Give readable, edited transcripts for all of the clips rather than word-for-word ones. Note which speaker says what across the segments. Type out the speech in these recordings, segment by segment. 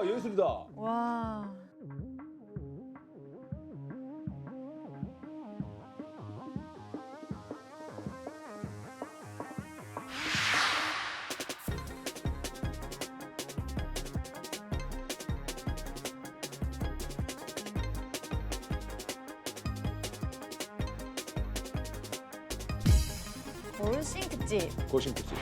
Speaker 1: 예술이다.
Speaker 2: 와.
Speaker 3: 돌싱 특집.
Speaker 1: 고심특집.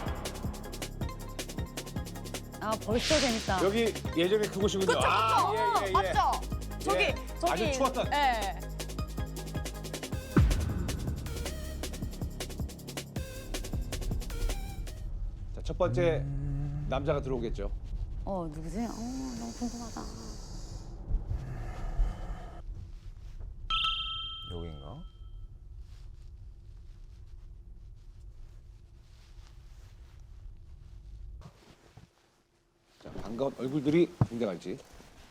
Speaker 3: 아 벌써 재밌다.
Speaker 1: 여기 예전에 그곳이군요.
Speaker 3: 그쵸, 그쵸.
Speaker 1: 아, 예.
Speaker 3: 맞죠? 저기,
Speaker 1: 예.
Speaker 3: 저기.
Speaker 1: 아주 추웠던.
Speaker 3: 예.
Speaker 1: 자, 첫 번째 남자가 들어오겠죠.
Speaker 3: 누구지? 너무 궁금하다.
Speaker 4: 여긴가?
Speaker 1: 자, 반가운 얼굴들이 등장할지.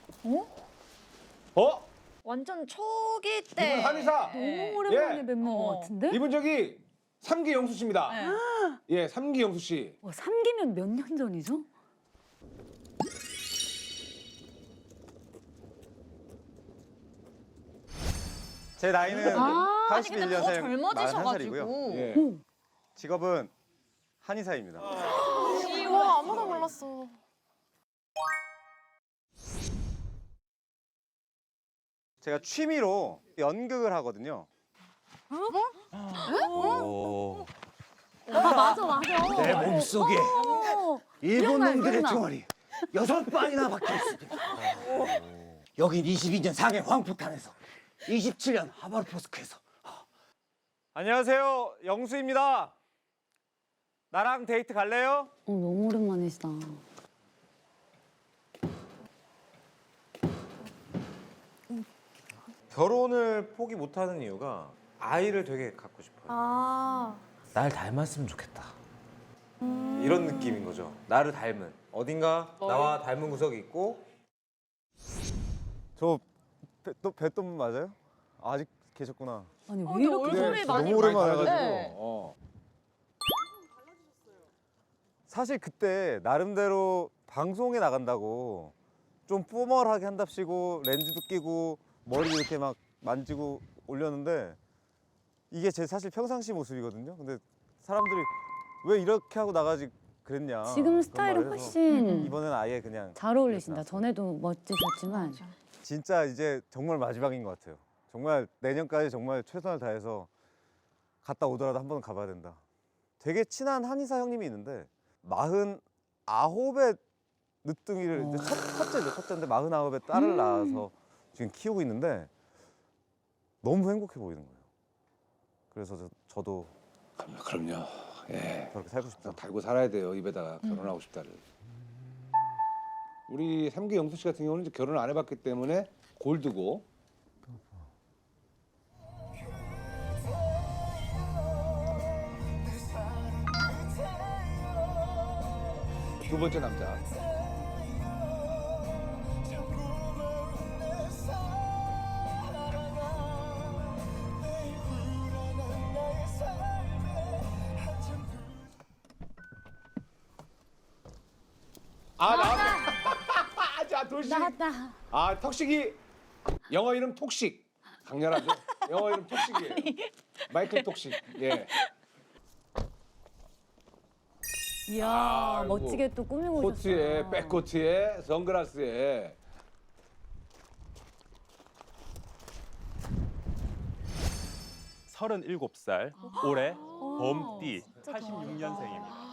Speaker 3: 어?
Speaker 1: 어?
Speaker 2: 완전 초기
Speaker 1: 이분
Speaker 2: 때.
Speaker 1: 한의사.
Speaker 3: 너무 오랜만에
Speaker 1: 예.
Speaker 3: 뵌것 같은데?
Speaker 1: 이분 저기 삼기 영수 씨입니다.
Speaker 3: 네.
Speaker 1: 예, 삼기 영수 씨.
Speaker 3: 3기면 몇 년 전이죠?
Speaker 4: 제 나이는
Speaker 2: 아니 근데 더
Speaker 4: 81년생
Speaker 2: 젊어지셔가지고.
Speaker 1: 예.
Speaker 4: 직업은 한의사입니다.
Speaker 2: 와 아무도 몰랐어.
Speaker 4: 제가 취미로 연극을 하거든요.
Speaker 3: 맞아 맞아.
Speaker 5: 내 몸속에 일본
Speaker 3: 기억나,
Speaker 5: 놈들의
Speaker 3: 기억나.
Speaker 5: 총알이 6발이나 박혀 있습니다. 여긴 22년 상해 황폭탄에서 27년 하바르포스크에서
Speaker 4: 안녕하세요, 영수입니다. 나랑 데이트 갈래요?
Speaker 3: 너무 오랜만이시다.
Speaker 6: 결혼을 포기 못하는 이유가 아이를 되게 갖고 싶어요.
Speaker 2: 아.
Speaker 6: 날 닮았으면 좋겠다. 이런 느낌인 거죠. 나를 닮은. 어딘가 나와 닮은 구석이 있고.
Speaker 4: 저 뵀던 맞아요? 아직 계셨구나.
Speaker 3: 아니 왜 이렇게
Speaker 2: 얼굴이 많이
Speaker 4: 너무 오랜만에
Speaker 1: 달라지고.
Speaker 4: 해가지고.
Speaker 2: 네.
Speaker 4: 사실 그때 나름대로 방송에 나간다고 좀 포멀하게 한답시고 렌즈도 끼고 머리 이렇게 막 만지고 올렸는데 이게 제 사실 평상시 모습이거든요. 근데 사람들이 왜 이렇게 하고 나가지 그랬냐.
Speaker 3: 지금
Speaker 4: 그런
Speaker 3: 스타일은
Speaker 4: 말을 해서
Speaker 3: 훨씬
Speaker 4: 이번엔 아예 그냥
Speaker 3: 잘 어울리신다.
Speaker 4: 그랬어요.
Speaker 3: 전에도 멋지셨지만.
Speaker 4: 진짜 이제 정말 마지막인 것 같아요. 정말 내년까지 정말 최선을 다해서 갔다 오더라도 한 번은 가봐야 된다. 되게 친한 한의사 형님이 있는데 49의 늦둥이를 이제 첫째인데 49의 딸을 낳아서 지금 키우고 있는데 너무 행복해 보이는 거예요. 그래서 저도
Speaker 1: 그럼요. 예.
Speaker 4: 그렇게 살고 싶다.
Speaker 1: 달고 살아야 돼요. 입에다가 결혼하고 싶다를. 우리 삼기 영수 씨 같은 경우는 이제 결혼을 안 해봤기 때문에 골드고. 두 번째 남자. 나왔네. 자, 돌식.
Speaker 3: 나왔다.
Speaker 1: 턱식이 영어 이름 톡식. 강렬하죠? 영어 이름 톡식이에요. 마이클 톡식. 예.
Speaker 3: 이야
Speaker 1: 아이고.
Speaker 3: 멋지게 또 꾸미고
Speaker 1: 코트에
Speaker 3: 오셨어요.
Speaker 1: 백코트에 선글라스에.
Speaker 7: 서른일곱 살 올해 범띠 86년생입니다.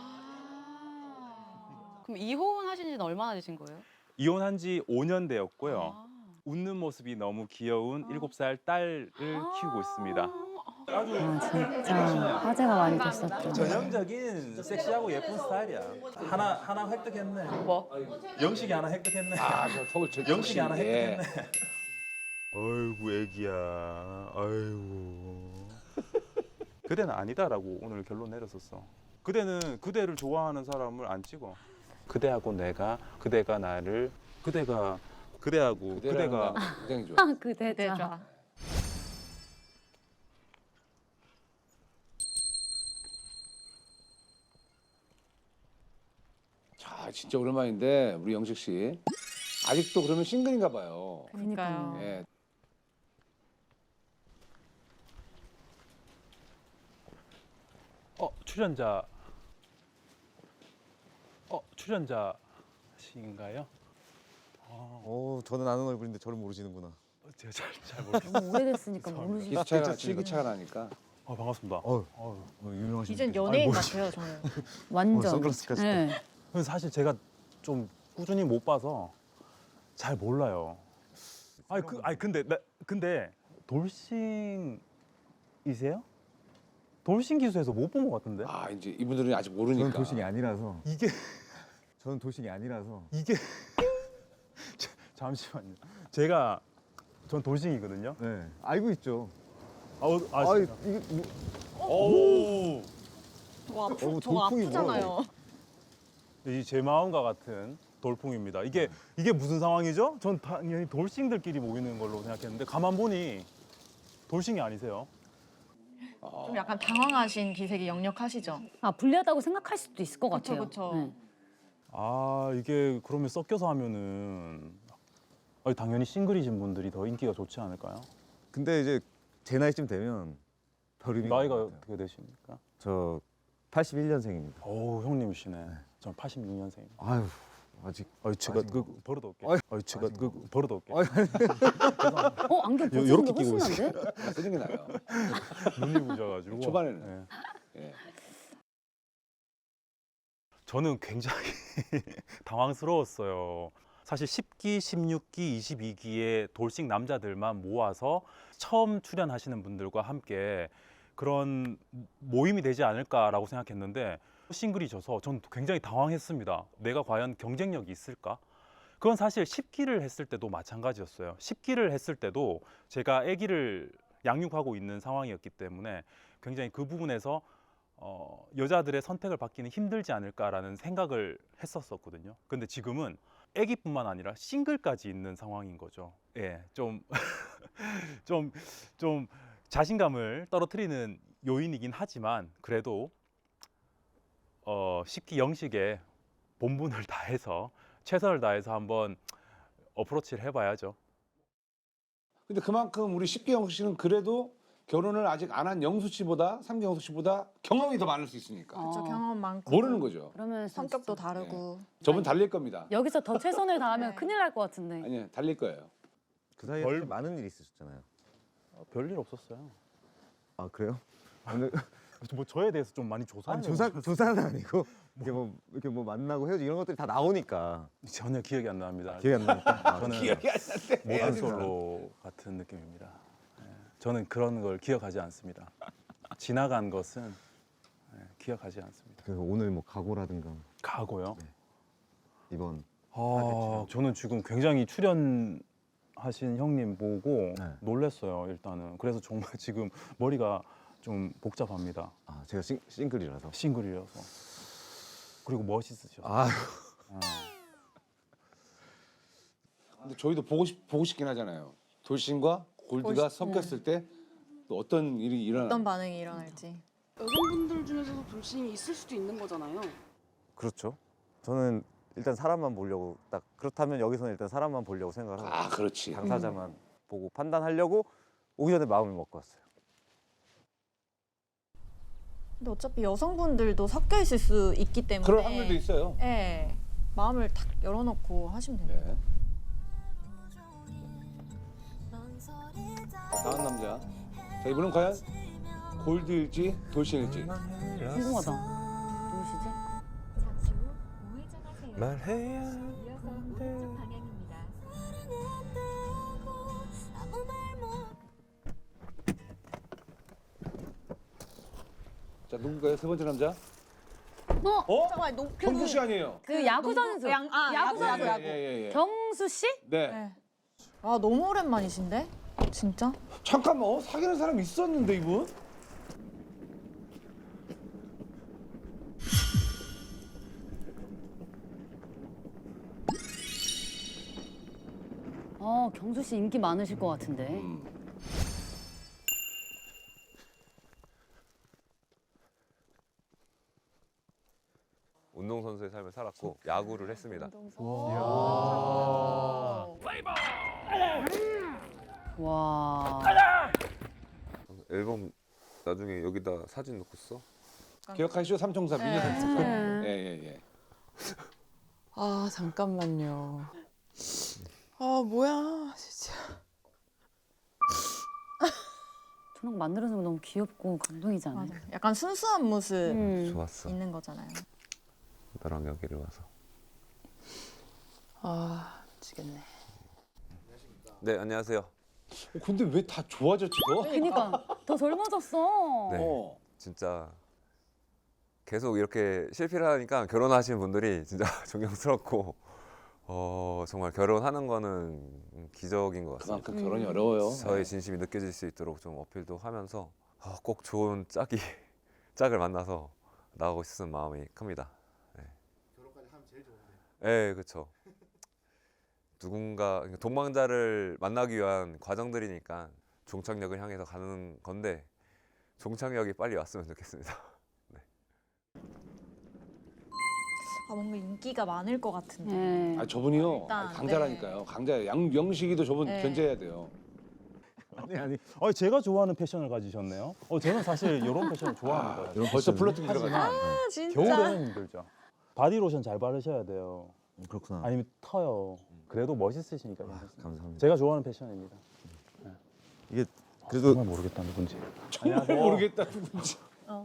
Speaker 8: 그럼 이혼하신 지는 얼마나 되신 거예요?
Speaker 7: 이혼한 지 5년 되었고요. 웃는 모습이 너무 귀여운 7살 딸을 키우고 있습니다.
Speaker 3: 진짜 화제가 많이 됐었죠.
Speaker 7: 전형적인 섹시하고 예쁜 스타일이야. 하나 획득했네.
Speaker 8: 뭐?
Speaker 7: 영식이 하나 획득했네.
Speaker 1: 저 턱을 저
Speaker 7: 영식이 하나
Speaker 1: 톡식. 예.
Speaker 7: 획득했네. 아이고 애기야. 아이고. 그대는 아니다라고 오늘 결론 내렸었어. 그대는 그대를 좋아하는 사람을 안 찍어. 그대하고 내가, 그대가 나를, 그대가 그대하고
Speaker 1: 그대라는
Speaker 7: 그대가
Speaker 1: 말 굉장히 좋아.
Speaker 3: 그대자.
Speaker 1: 자, 진짜 오랜만인데 우리 영식 씨. 아직도 그러면 싱글인가 봐요.
Speaker 3: 그러니까요.
Speaker 1: 예.
Speaker 7: 출연자신가요?
Speaker 4: 저는 아는 얼굴인데 저를 모르시는구나.
Speaker 7: 제가 잘 모르겠어요.
Speaker 3: 너무 오래됐으니까 모르지.
Speaker 1: 기차가 실기차가 나니까.
Speaker 7: 반갑습니다.
Speaker 4: 유명하신
Speaker 2: 이젠
Speaker 4: 분이세요.
Speaker 2: 연예인 같아요 저는.
Speaker 3: 완전.
Speaker 4: 선글라스까지.
Speaker 3: 네.
Speaker 7: 근데 사실 제가 좀 꾸준히 못 봐서 잘 몰라요. 근데 돌싱이세요? 돌싱 기수에서 못 본 것 같은데?
Speaker 1: 아 이제 이분들은 아직 모르니까.
Speaker 4: 저는 돌싱이 아니라서.
Speaker 7: 이게
Speaker 4: 저는 돌싱이 아니라서.
Speaker 7: 잠시만요. 전 돌싱이거든요.
Speaker 4: 네. 알고 있죠.
Speaker 7: 진짜.
Speaker 4: 이게 뭐,
Speaker 1: 오.
Speaker 2: 저거
Speaker 4: 돌풍이
Speaker 2: 아프잖아요.
Speaker 7: 이 제 마음과 같은 돌풍입니다. 이게 무슨 상황이죠? 전 당연히 돌싱들끼리 모이는 걸로 생각했는데 가만 보니 돌싱이 아니세요.
Speaker 2: 좀 약간 당황하신 기색이 역력하시죠.
Speaker 3: 아 불리하다고 생각할 수도 있을 것
Speaker 2: 그쵸,
Speaker 3: 같아요.
Speaker 2: 그쵸.
Speaker 3: 네.
Speaker 7: 이게 그러면 섞여서 하면은 당연히 싱글이신 분들이 더 인기가 좋지 않을까요?
Speaker 4: 근데 이제 제 나이쯤 되면 별 의미가
Speaker 7: 나이가
Speaker 4: 없는 것 같아요.
Speaker 7: 어떻게 되십니까?
Speaker 4: 저 81년생입니다.
Speaker 7: 오 형님이시네. 전 86년생입니다.
Speaker 4: 아유 아직.
Speaker 7: 제가
Speaker 4: 아직
Speaker 7: 그 버릇없게.
Speaker 4: 제가
Speaker 7: 그 버릇없게.
Speaker 3: 안경 벗은
Speaker 7: 요렇게
Speaker 3: 게
Speaker 7: 끼고
Speaker 3: 훨씬 난데?
Speaker 1: 쓰는 게 나아요.
Speaker 7: 눈이 부셔가지고.
Speaker 1: 초반에는.
Speaker 7: 예.
Speaker 1: 예.
Speaker 7: 저는 굉장히 당황스러웠어요. 사실 10기, 16기, 22기의 돌싱 남자들만 모아서 처음 출연하시는 분들과 함께 그런 모임이 되지 않을까라고 생각했는데 싱글이 져서 전 굉장히 당황했습니다. 내가 과연 경쟁력이 있을까? 그건 사실 10기를 했을 때도 마찬가지였어요. 10기를 했을 때도 제가 아기를 양육하고 있는 상황이었기 때문에 굉장히 그 부분에서 여자들의 선택을 받기는 힘들지 않을까라는 생각을 했었거든요. 근데 지금은 아기뿐만 아니라 싱글까지 있는 상황인 거죠. 예, 좀 자신감을 떨어뜨리는 요인이긴 하지만 그래도 10기 영식에 본분을 다해서 최선을 다해서 한번 어프로치를 해봐야죠.
Speaker 1: 근데 그만큼 우리 10기 씨는 그래도 결혼을 아직 안 한 영수 씨보다 3기 영수 씨보다 경험이 더 많을 수 있으니까
Speaker 2: 저 경험 많고
Speaker 1: 모르는 거죠.
Speaker 3: 그러면
Speaker 2: 성격도 다르고.
Speaker 1: 저분 달릴 겁니다.
Speaker 3: 여기서 더 최선을 다하면
Speaker 2: 네.
Speaker 3: 큰일 날 것 같은데.
Speaker 1: 아니요, 달릴 거예요.
Speaker 4: 그 사이에
Speaker 7: 별-
Speaker 4: 사실 많은 일이 있으셨잖아요.
Speaker 7: 별일 없었어요.
Speaker 4: 아 그래요? 오늘
Speaker 7: 뭐 저에 대해서 좀 많이 조사하는
Speaker 4: 조사는 아니고 이렇게 뭐 만나고 헤어지고 이런 것들이 다 나오니까
Speaker 7: 전혀 기억이 안 납니다.
Speaker 4: 기억이 안 나니까.
Speaker 7: 저는
Speaker 1: 기억이 안 나는데.
Speaker 7: 모던 솔로 같은 느낌입니다. 예, 저는 그런 걸 기억하지 않습니다. 지나간 것은 기억하지 않습니다.
Speaker 4: 그래서 오늘 뭐 각오라든가
Speaker 7: 가고요.
Speaker 4: 이번
Speaker 7: 저는 지금 굉장히 출연하신 형님 보고
Speaker 4: 네.
Speaker 7: 놀랐어요. 일단은 그래서 정말 지금 머리가 좀 복잡합니다.
Speaker 4: 제가 싱글이라서.
Speaker 7: 싱글이라서 그리고 멋있으셔서.
Speaker 4: 아
Speaker 1: 근데 저희도 보고 싶긴 하잖아요. 돌싱과 골드가 섞였을 때 또 어떤 일이 일어나.
Speaker 2: 어떤 반응이 일어날지.
Speaker 9: 여성분들 중에서도 돌싱이 있을 수도 있는 거잖아요.
Speaker 4: 그렇죠. 저는 일단 사람만 보려고 딱 그렇다면 여기서는 일단 사람만 보려고 생각을 하고
Speaker 1: 아, 그렇지.
Speaker 4: 당사자만 보고 판단하려고 오기 전에 마음을 먹고 왔어요.
Speaker 2: 근데 어차피 여성분들도 섞여 있을 수 있기 때문에.
Speaker 1: 그럴 확률도 있어요.
Speaker 2: 네. 마음을 탁 열어놓고 하시면 됩니다.
Speaker 1: 네. 다음 남자. 자, 이분은 과연 골드일지 돌싱일지.
Speaker 3: 궁금하다. 누구시지?
Speaker 6: 잠시 후 우회전하세요. 말해야
Speaker 10: 이어서 오른쪽 방향입니다.
Speaker 1: 자, 누군가요? 세 번째 남자?
Speaker 2: 잠깐만, 높
Speaker 1: 경수 씨 아니에요?
Speaker 3: 그 야구 선수. 야구 선수.
Speaker 1: 예.
Speaker 3: 경수 씨?
Speaker 1: 네.
Speaker 2: 네. 아, 너무 오랜만이신데? 진짜?
Speaker 1: 잠깐만, 사귀는 사람 있었는데 이분?
Speaker 3: 경수 씨 인기 많으실 것 같은데.
Speaker 6: 운동선수의 삶을 살았고 야구를 했습니다.
Speaker 3: 와.
Speaker 6: 앨범 나중에 여기다 사진 넣고 써?
Speaker 1: 기억하시죠? 삼총사 미니 콘서트. 예예예.
Speaker 9: 아 잠깐만요. 아 뭐야 진짜.
Speaker 3: 저런 거 만들어서 너무 귀엽고 감동이지 않아요?
Speaker 2: 맞아. 약간 순수한 모습
Speaker 6: 좋았어.
Speaker 2: 있는 거잖아요.
Speaker 6: 너랑 여기를 와서.
Speaker 9: 아 미치겠네.
Speaker 6: 네, 안녕하세요.
Speaker 1: 근데 왜 다 좋아졌지 너?
Speaker 3: 그니까 더 젊어졌어.
Speaker 6: 네.
Speaker 1: 어.
Speaker 6: 진짜 계속 이렇게 실패를 하니까 결혼하시는 분들이 진짜 존경스럽고 정말 결혼하는 거는 기적인 것 같습니다.
Speaker 1: 그만큼 결혼이 어려워요.
Speaker 6: 저의 진심이 느껴질 수 있도록 좀 어필도 하면서 꼭 좋은 짝을 만나서 나가고 싶은 마음이 큽니다. 네. 결혼까지 하면 제일 좋은데. 네, 그렇죠. 누군가 동망자를 만나기 위한 과정들이니까 종착역을 향해서 가는 건데 종착역이 빨리 왔으면 좋겠습니다.
Speaker 2: 아 뭔가 인기가 많을 것 같은데.
Speaker 3: 네.
Speaker 1: 아 저분이요.
Speaker 2: 일단,
Speaker 1: 강자라니까요. 강자. 양명식이도 저분
Speaker 2: 네.
Speaker 1: 견제해야 돼요.
Speaker 4: 아니
Speaker 7: 제가 좋아하는 패션을 가지셨네요. 저는 사실 이런 패션을 좋아합니다.
Speaker 1: 벌써 플러팅 들어가죠.
Speaker 2: 아 진짜.
Speaker 7: 겨울에는 힘들죠. 바디로션 잘 바르셔야 돼요.
Speaker 4: 그렇구나.
Speaker 7: 아니면 터요. 그래도 멋있으시니까 괜찮습니다.
Speaker 4: 감사합니다.
Speaker 7: 제가 좋아하는 패션입니다.
Speaker 4: 이게 그래도
Speaker 7: 정말 모르겠다 누군지.
Speaker 1: 정말 모르겠다 누군지.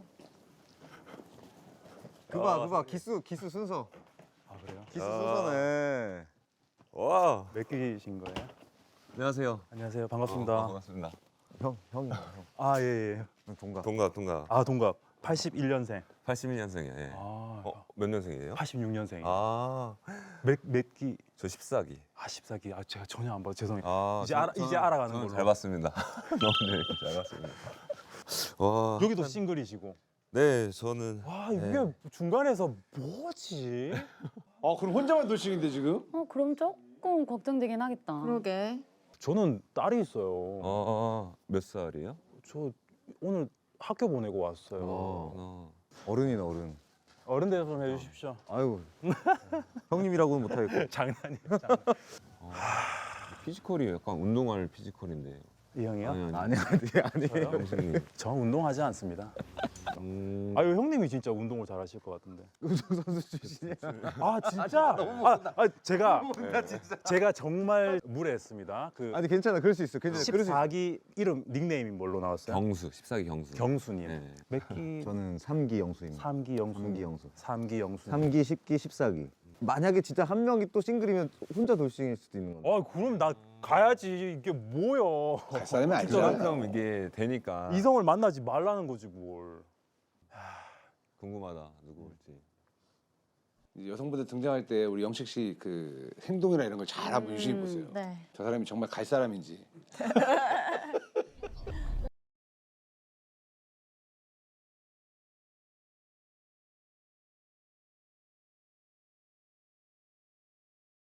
Speaker 4: 그봐 기수 순서.
Speaker 7: 아 그래요?
Speaker 4: 기수 순서네.
Speaker 6: 와,
Speaker 7: 몇 기신 거예요?
Speaker 6: 안녕하세요.
Speaker 7: 안녕하세요. 반갑습니다.
Speaker 6: 반갑습니다.
Speaker 4: 형이야 형.
Speaker 7: 아 예.
Speaker 4: 동갑.
Speaker 6: 동갑.
Speaker 7: 아 동갑. 81년생.
Speaker 6: 81년생이에요. 예.
Speaker 7: 아
Speaker 6: 몇 년생이에요?
Speaker 7: 86년생.
Speaker 6: 아,
Speaker 7: 몇 기?
Speaker 6: 저 14기.
Speaker 7: 14기. 제가 전혀 안 봐요. 죄송해요.
Speaker 6: 아,
Speaker 7: 이제 알아가는
Speaker 6: 저는
Speaker 7: 걸로.
Speaker 6: 잘 봤습니다. 너무 잘 봤습니다. 와,
Speaker 7: 여기도 싱글이시고.
Speaker 6: 네, 저는
Speaker 7: 와 이게
Speaker 6: 네.
Speaker 7: 중간에서 뭐지?
Speaker 1: 그럼 혼자만 돌싱인데 지금?
Speaker 3: 그럼 조금 걱정되긴 하겠다.
Speaker 2: 그러게.
Speaker 7: 저는 딸이 있어요.
Speaker 6: 몇 살이에요?
Speaker 7: 저 오늘 학교 보내고 왔어요.
Speaker 4: 어른이네 어른.
Speaker 7: 어른 대접 좀 해주십시오.
Speaker 4: 아유 형님이라고는 못하겠고.
Speaker 7: 장난이에요.
Speaker 6: 피지컬이 약간 운동할 피지컬인데.
Speaker 7: 이 형이요?
Speaker 4: 아니.
Speaker 7: 저요?
Speaker 6: 형수님.
Speaker 7: 저 운동하지 않습니다. 아유 형님이 진짜 운동을 잘하실 것 같은데.
Speaker 4: 운동선수 출신이야.
Speaker 7: 아 진짜? 제가 정말 무례했습니다. 그
Speaker 4: 아니 괜찮아 그럴 수 있어. 괜찮아. 그럴 수 있어.
Speaker 7: 14기 이름 닉네임이 뭘로 나왔어요?
Speaker 6: 14기 경수.
Speaker 7: 경순이요.
Speaker 6: 네.
Speaker 7: 몇 기?
Speaker 4: 저는 3기 영수입니다.
Speaker 7: 3기 영순.
Speaker 4: 3기 영수.
Speaker 7: 3기 영순.
Speaker 4: 3기, 10기, 14기. 만약에 진짜 한 명이 또 싱글이면 혼자 돌싱일 수도 있는 건데.
Speaker 7: 그럼 나 가야지. 이게 뭐요?
Speaker 1: 갈 사람이
Speaker 6: 진짜
Speaker 1: 아니잖아.
Speaker 6: 항상 이게 되니까
Speaker 7: 이성을 만나지 말라는 거지 뭘.
Speaker 6: 궁금하다. 누구 올지.
Speaker 1: 이제 여성분들 등장할 때 우리 영식 씨 그 행동이나 이런 걸 잘 한번 유심히 보세요.
Speaker 2: 네.
Speaker 1: 저 사람이 정말 갈 사람인지.